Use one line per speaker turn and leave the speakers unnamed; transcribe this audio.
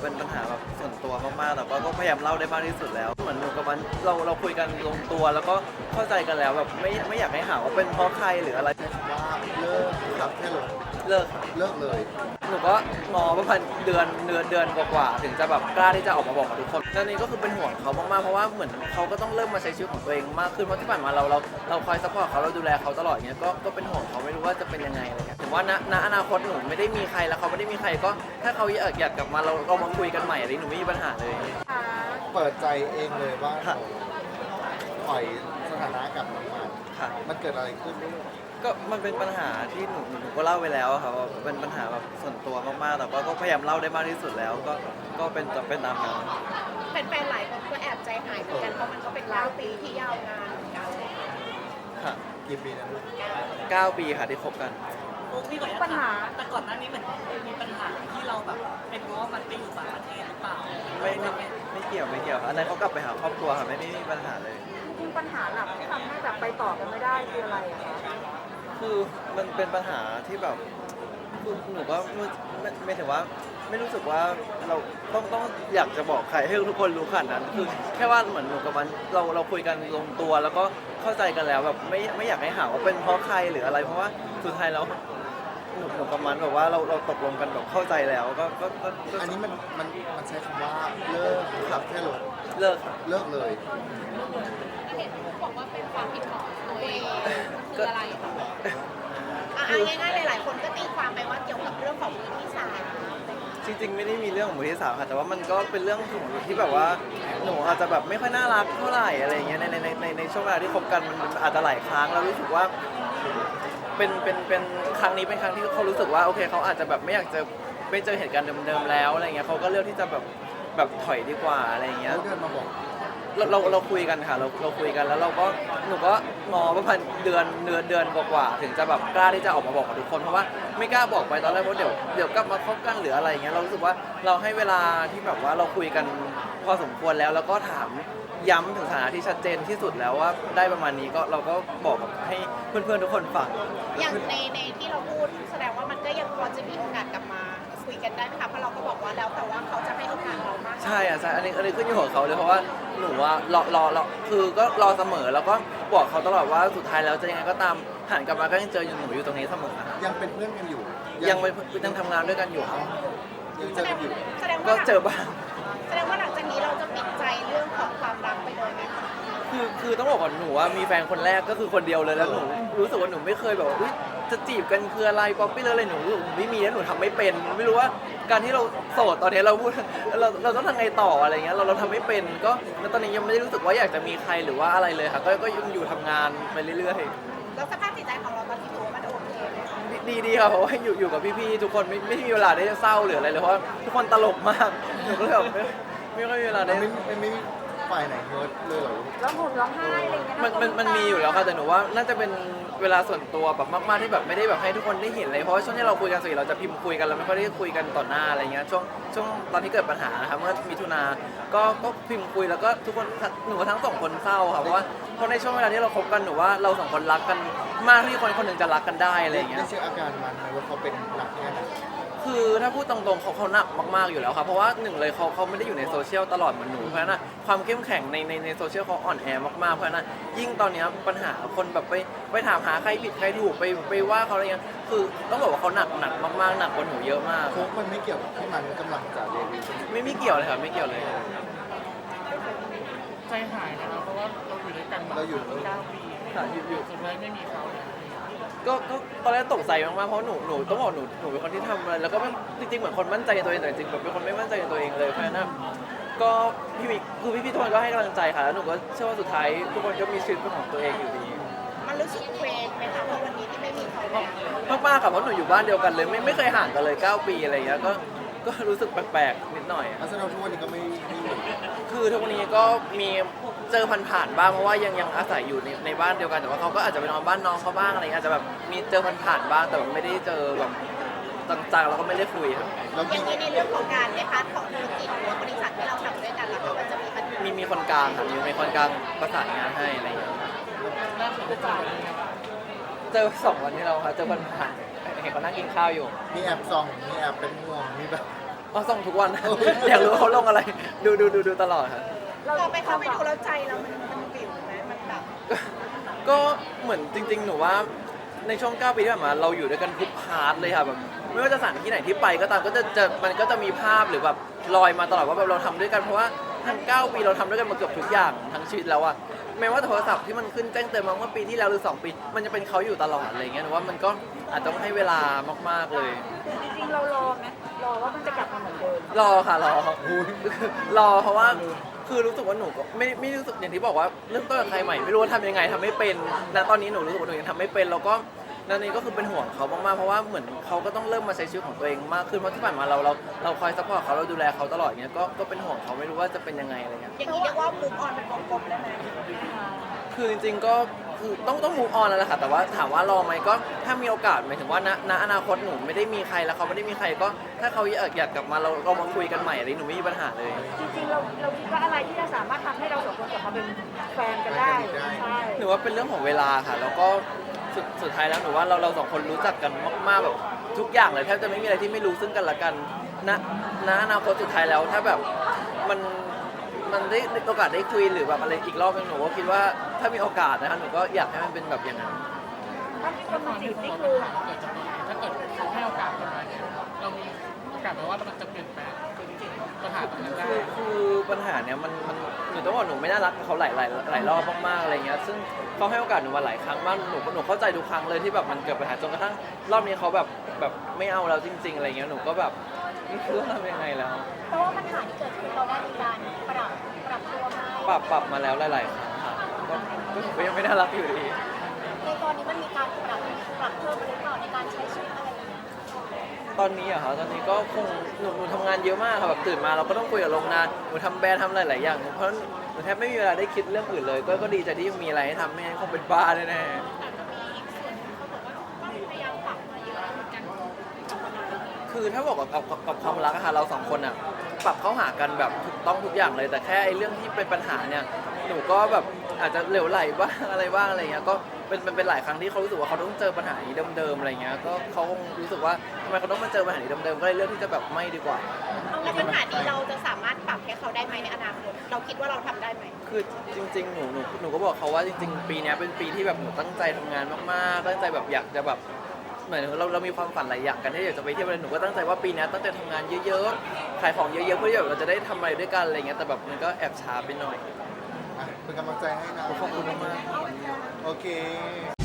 เป็นปัญหาแบบส่วนตัวมากๆแต่ก็พยายามเล่าได้มากที่สุดแล้วเหมือนหนูกับมันเราคุยกันลงตัวแล้วก็เข้าใจกันแล้วแบบไม่อยากให้หาว่าเป็นเพราะใครหรืออะไร
ว่าเลิกครับแค่ลง
เลิกค่ะ
เลิกเลย
หนูก็งอประมาณเดือนกว่าๆถึงจะแบบกล้าที่จะออกมาบอกกับทุกคนตอนนี้ก็คือเป็นห่วงเขามากๆเพราะว่าเหมือนเขาก็ต้องเริ่มมาใช้ชีวิตของตัวเองมากขึ้นเพราะที่ผ่านมาเราคอยซัพพอร์ตเขาเราดูแลเขาตลอดอย่างเงี้ยก็เป็นห่วงเขาไม่รู้ว่าจะเป็นยังไงอะไรเงี้ยถึงว่าณอนาคตหนูไม่ได้มีใครแล้วเขาไม่ได้มีใครก็ถ้าเขาอยากกลับมาเรามาคุยกันใหม่อะไรหนูไม่มีปัญหาเลย
เปิดใจเองเลยว่า
ค่ะ
ปล่อยสถานะกับน้องมัน
ค่ะ
มันเกิดอะไรขึ้น
ก็มันเป็นปัญหาที่หนูก็เล่าไปแล้วอะครับว่าเป็นปัญหาแบบส่วนตัวมากๆแต่ก็พยายามเล่าได้มากที่สุดแล้วก็เป็นตามนั้น
แฟนๆหลายคนก็แอบใจหายเหมือนกันเพราะมันก็เป็น9 ปีที่ยาวนานเหมือนกันเลย
ค่ะ
กี่ปีนะลูก
9 ปีค่ะที่คบกัน
พี่ขออนุญาตปัญหาแต่ก่อนหน้านี้เหมือนมีปัญหาที่เราแบบเป็นเพราะว่ามันไปอยู่ต่างประเทศหรือเปล่า
ไม่เกี่ยวครับอันนั้นเขากลับไปหาครอบครัวค่ะไม่มีปัญหาเลย
จริงๆปัญหาหลักที่ทำให้แบบไปต่อกันไม่ได้คืออะไรอะคะ
คือมันเป็นปัญหาที่แบบคือหนูก็ไม่ถึงว่าไม่รู้สึกว่าเราต้องอยากจะบอกใครให้ทุกคนรู้ขนาดนั้นคือแค่ว่าเหมือนหนูกับมันเราคุยกันลงตัวแล้วก็เข้าใจกันแล้วแบบไม่อยากให้หาว่าเป็นเพราะใครหรืออะไรเพราะว่าสุดท้ายแล้วหนูกับมันแบบว่าเราตกลงกันแบบเข้าใจแล้วก็
อันนี้มันใช้คำว่าเลิกครับแค่ลง
เลิกค่ะ
เลิกเลย
เห็นบอกว่าเป็นความผิดของตัวเองคืออะไรคะง่ายๆหลายๆคนก็ตีความไปว่าเกี่ยวกับเรื่องของมือที่สาม
จริงๆไม่ได้มีเรื่องของมือที่สามค่ะแต่ว่ามันก็เป็นเรื่องของที่แบบว่าหนูอาจจะแบบไม่ค่อยน่ารักเท่าไหร่อะไรอย่างเงี้ยในช่วงเวลาที่คบกันมันอาจจะหลายครั้งแล้วรู้สึกว่าเป็นครั้งนี้เป็นครั้งที่เขารู้สึกว่าโอเคเขาอาจจะแบบไม่อยากจะไม่เจอเหตุการณ์เดิมๆแล้วอะไรเงี้ยเขาก็เลือกที่จะแบบถอยดีกว่าอะไรเงี้ย
เขาเดินมาบอก
เราคุยกันค่ะเราคุยกันแล้วหนูก็งอประมาณเดือนกว่าๆถึงจะแบบกล้าที่จะออกมาบอกกับทุกคนเพราะว่าไม่กล้าบอกไปตอนแรกว่าเดี๋ยวกลับมาคบกันหรืออะไรอย่างเงี้ยเรารู้สึกว่าเราให้เวลาที่แบบว่าเราคุยกันพอสมควรแล้วก็ถามย้ำถึงสถานะที่ชัดเจนที่สุดแล้วว่าได้ประมาณนี้ก็เราก็บอกกับให้เพื่อนๆทุกคนฟัง
อย่างในที่เราพูดแสดงว่ามันก็ยังพอจะมีโอกาสกลับมาคุยกันได้ไหมคะเพราะเราก็บอกว่าแล้วแต่ว่าเขาจะให้โอกาสเรามาก
ใช่อ่ะใช่อันนี้ขึ้นอยู่กับเขาเลยเพราะว่าหนูว่ารอคือก็รอเสมอแล้วก็บอกเขาตลอดว่าสุดท้ายแล้วจะยังไงก็ตามหันกลับมาก็ยังเจออยู่หนูอยู่ตรงนี้เสมอนะคะ
ยังเป็นเพื่อนกันอยู่
ยังทำงานด้วยกันอยู่ครับ
ยังเจอกันอยู่
แสดง
ก็
ว่า
เจอบ้าง
แสดงว่าหลังจากนี้เราจะปิดใจเรื่องของความรักไปเลยไหมคะ
คือต้องบอกก่อนหนูว่ามีแฟนคนแรกก็คือคนเดียวเลยแล้วหนูรู้สึกว่าหนูไม่เคยแบบว่าอุ๊ยจะจีบกันคืออะไรป๊อปปี้เลยอะไรหนูรู้สึกหนูไม่มีแล้วหนูทำไม่เป็นไม่รู้ว่าการที่เราโสดตอนนี้เราพูดเราต้องทำไงต่ออะไรเงี้ยเราทำไม่เป็นก็แล้วตอนนี้ยังไม่ได้รู้สึกว่าอยากจะมีใครหรือว่าอะไรเลยค่ะก็ยังอยู่ทำงานไปเรื่อยๆ
แล้วสภาพจิตใจของเราตอนนี้ถือว่ามันโอเคไหมคะ
ดีครับเพราะว่าอยู่กับพี่ๆทุกคนไม่มีเวลาได้เศร้าหรืออะไรเลยเพราะว่าทุกคนตลกมากหนูก็เลยแบบไม่ค่อยมีเวลาได้
ไม่ฝ่ายไหนเฮิร์ตเลยเหรอลูก
ร้องห่มร้องไห้อะไรอย่างเงี้ย
มันมีอยู่แล้วค่ะแต่หนูว่าน่าจะเป็นเวลาส่วนตัวแบบมากๆที่แบบไม่ได้แบบให้ทุกคนได้เห็นเลยเพราะว่าช่วงที่เราคุยกันส่วนใหญ่เราจะพิมพ์คุยกันเราไม่ค่อยได้คุยกันต่อหน้าอะไรเงี้ยช่วงตอนที่เกิดปัญหานะครับเมื่อมิถุนาก็พิมพ์คุยแล้วก็ทุกคนหนูทั้งสองคนเศร้าค่ะเพราะว่าในช่วงเวลาที่เราคบกันหนูว่าเราสองคนรักกันมากที่คนหนึ่งจะรักกันได้อะไรอย่างเงี้ย
ได้เช็คอาการมันไหมว่าเขาเป็นหนักแค่ไหน
คือถ้าพูดตรงๆเขาหนักมากๆอยู่แล้วครับเพราะว่าหนึ่งเลยเขาไม่ได้อยู่ในโซเชียลตลอดเหมือนหนูเพราะฉะนั้นความเข้มแข็งในโซเชียลเขาอ่อนแอมากๆเพราะฉะนั้นยิ่งตอนเนี้ยปัญหาคนแบบไปถามหาใครผิดใครถูกไปว่าเขาอะไรเงี้ยคือต้องบอกว่าเขาหนักมากๆหนักกว่าหนูเยอะมาก
โค้กมันไม่เกี่ยวกับที่มันกำลังจะเรียน
ไม่เกี่ยวเลยครับไม่เกี่ยวเลย
ใจหายนะครับเพราะว่าเราอยู่ด้วยกันมา
เราอยู่
9 ปี
ค่ะอยู่
สุดท้ายไม่มีเขา
ก็ตอนแรกตกใจมากๆเพราะหนูต้องบอกหนูเป็นคนที่ทำอะไรแล้วก็จริงๆเหมือนคนมั่นใจในตัวเองแต่จริงๆแบบเป็นคนไม่มั่นใจในตัวเองเลยเพราะฉะนั้นก็พี่ทุกคนก็ให้กำลังใจค่ะแล้วหนูก็เชื่อว่าสุดท้ายทุกคนก็มีชีวิตเป็นของตัวเองอยู่ดี
มันรู้สึกเคว้งไหมคะเพราะวันนี้ที่ไม่มีเขาแล้ว
มากๆค่ะเพราะหนูอยู่บ้านเดียวกันเลยไม่เคยห่างกันเลย9 ปีอะไรอย่างเงี้ยก็รู้สึกแปลกๆนิดหน่อย
ลักษณะทุกวันนี้ก็ไม่อยู่
คือทุกวันนี้ก็มีเจอผ่านๆบ้างเพราะว่ายังอาศัยอยู่ในบ้านเดียวกันแต่ว่าเขาก็อาจจะไปนอนบ้านน้องเขาบ้างอะไรเงี้ยอาจจะแบบมีเจอผ่านๆบ้างแต่แบบไม่ได้เจอแบบต่างๆเราก็ไม่ได้คุยครับ
แล้ว
อย่างนี้ในเรื่องของการในพาร์ทของธุรกิจหรือว่าบริษัทที่เราทำด้วยกันแล้วก็มันจะมีปัญหา
มีคนกลางค่ะมีคนกลางประสานงานให้อะไรเงี้ย
น่าสนใจ
เจอ2 วันที่เราค่ะเจอผ่านๆเห็นเขานั่งกินข้าวอยู่
มีแอบส่องมีแอบเป็นห่วงมีแบบ
อ๋อส่องทุกวัน อยากรู้ว่าเขาลงอะไร ดูตลอดครับ
เราไปเข้าไปดูแล้วใจเรามันวิวไหมมันแบบ
ก็เหมือนจริง ๆ หนูว่าในช่วง 9 ปีที่ผ่านมาเราอยู่ด้วยกันทุกพาร์ทเลยค่ะแบบไม่ว่าจะสถานที่ไหนที่ไปก็ตามก็จะมันก็จะมีภาพหรือแบบลอยมาตลอดว่าแบบเราทำด้วยกันเพราะว่าทั้ง 9 ปีเราทำด้วยกันมาเกือบทุกอย่างทั้งชีวิตแล้วอะแม้ว่าโทรศัพท์ที่มันขึ้นแจ้งเตือนมาเมื่อปีที่แล้วหรือ 2 ปี มันจะเป็นเขาอยู่ตลอดอะไรเงี้ยหนูว่ามันก็อาจจะต้องให้เวลามากๆเลย
จริงๆเรารอไหมรอว่ามันจะกลับมาเหมือนเดิม
รอค่ะรอ รอเพราะว่าคือรู้สึกว่าหนูก็ไม่รู้สึกอย่างที่บอกว่าเริ่มต้นกับใครใหม่ไม่รู้ว่าทำยังไงทำไม่เป็นณตอนนี้หนูรู้สึกว่าหนูยังทำไม่เป็นแล้วก็นั่นนี่ก็คือเป็นห่วงเขามากๆเพราะว่าเหมือนเขาก็ต้องเริ่มมาใช้ชีวิตของตัวเองมากขึ้นเพราะที่ผ่านมาเราคอยซัพพอร์ตเขาเราดูแลเขาตลอดอย่างเงี้ยก็เป็นห่วงเขาไม่รู้ว่าจะเป็นยังไงอะไรเงี้ย
อย่างนี้เรียกว่ามุกออนเป็นวงกลมได้ไหม
คือจริงๆก็คือต้องมูฟออนแล้วแหละค่ะแต่ว่าถามว่ารอไหมก็ถ้ามีโอกาสหมายถึงว่าณอนาคตหนูไม่ได้มีใครแล้วเขาไม่ได้มีใครก็ถ้าเขาอยากกลับมาเรามาคุยกันใหม่อะไรหนูไม่มีปัญหาเลย
จริงๆเราคิดว่าอะไรที่จะสามารถทำให้เราสองคนกลับมาเป็นแฟนกันได้ใช่
หนูว่าเป็นเรื่องของเวลาค่ะแล้วก็สุดท้ายแล้วหนูว่าเราสองคนรู้จักกันมากๆแบบทุกอย่างเลยแทบจะไม่มีอะไรที่ไม่รู้ซึ่งกันและกันณอนาคตสุดท้ายแล้วถ้าแบบมันได้โอกาสได้คุยหรือแบบอะไรอีกรอบนึงหนูก็คิดว่าถ้ามีโอกาสนะคะหนูก็อยากให้มันเป็นแบบอย่างนั้น
ถ้ามีคนมาจีบนี่คือ
ถ้าเกิดเขาให้โอกาสเรามาเนี่ยเรามีโอกาสไหมว่ามันจะเปลี่ยนแปลงปัญหาตรงนั้นได้
คือปัญหาเนี้ยมันหนูต้องบอกหนูไม่น่ารักกับเขาหลายรอบมากๆอะไรเงี้ยซึ่งเขาให้โอกาสหนูมาหลายครั้งมากหนูเข้าใจทุกครั้งเลยที่แบบมันเกิดปัญหาจนกระทั่งรอบนี้เขาแบบไม่เอาเราจริง ๆอะไรเงี้ยหนูก็แบบไม่รู้จะทำยังไงแล้ว
เพราะว่าปัญหาที่เกิดขึ้นเราได้มีการปรับตัวไหม
ปรับมาแล้วหลายๆครั้งค่ะก็หนูก็ยังไม่น่ารักอยู่ดี
ในตอนนี้มันมีการปรับเพิ่มหรือเปล่าในการใช้ชีวิตอะไรอย่างเงี้ย
ตอนนี้อะค่ะตอนนี้ก็คงหนูทำงานเยอะมากค่ะแบบตื่นมาเราก็ต้องคุยกับโรงงานหนูทำแบรนด์ทำหลายๆอย่างเพราะหนูแทบไม่มีเวลาได้คิดเรื่องอื่นเลยก็ดีใจที่ยังมีอะไรให้ทำไม่งั้นคงเป็นบ้าแน่ๆคือถ้าบอกกับความรักอะค่ะเราสองคนอะปรับเข้าหากันแบบถูกต้องทุกอย่างเลย แต่แค่ไอ้เรื่องที่เป็นปัญหาเนี่ยหนูก็แบบอาจจะเหลวไหลบ้างอะไรบ้างอะไรเงี้ยก็เป็นหลายครั้งที่เขารู้สึกว่าเขาต้องเจอปัญหานี้เดิมๆอะไรเงี้ยก็เขาคงรู้สึกว่าทำไมเขาต้องมาเจอปัญหานี้เดิมๆก็เลยเลือกที่จะแบบไม่ดีกว่า
แล้วปัญหานี้เราจะสามารถปรับให้เขาได้ไหมในอนาคตเราคิดว่าเราทำได้ไหม
คือจริงๆหนูก็บอกเขาว่าจริงๆปีเนี้ยเป็นปีที่แบบหนูตั้งใจทำงานมากๆตั้งใจแบบอยากจะแบบเหมือนเรามีความฝันหลายอย่างกันที่อยากจะไปเที่ยวอะไรหนูก็ตั้งใจว่าปีเนี้ยตั้งใจทำงานเยอะๆขายของเยอะๆเพื่อที่แบบเราจะได้ทำอะไรด้วยกันอะไรเงี้ยแต่แบบมันก็แอบช้าไปหน่อย
เป็นกำลังใจให้นะ
ขอบคุณมากๆ
โอเค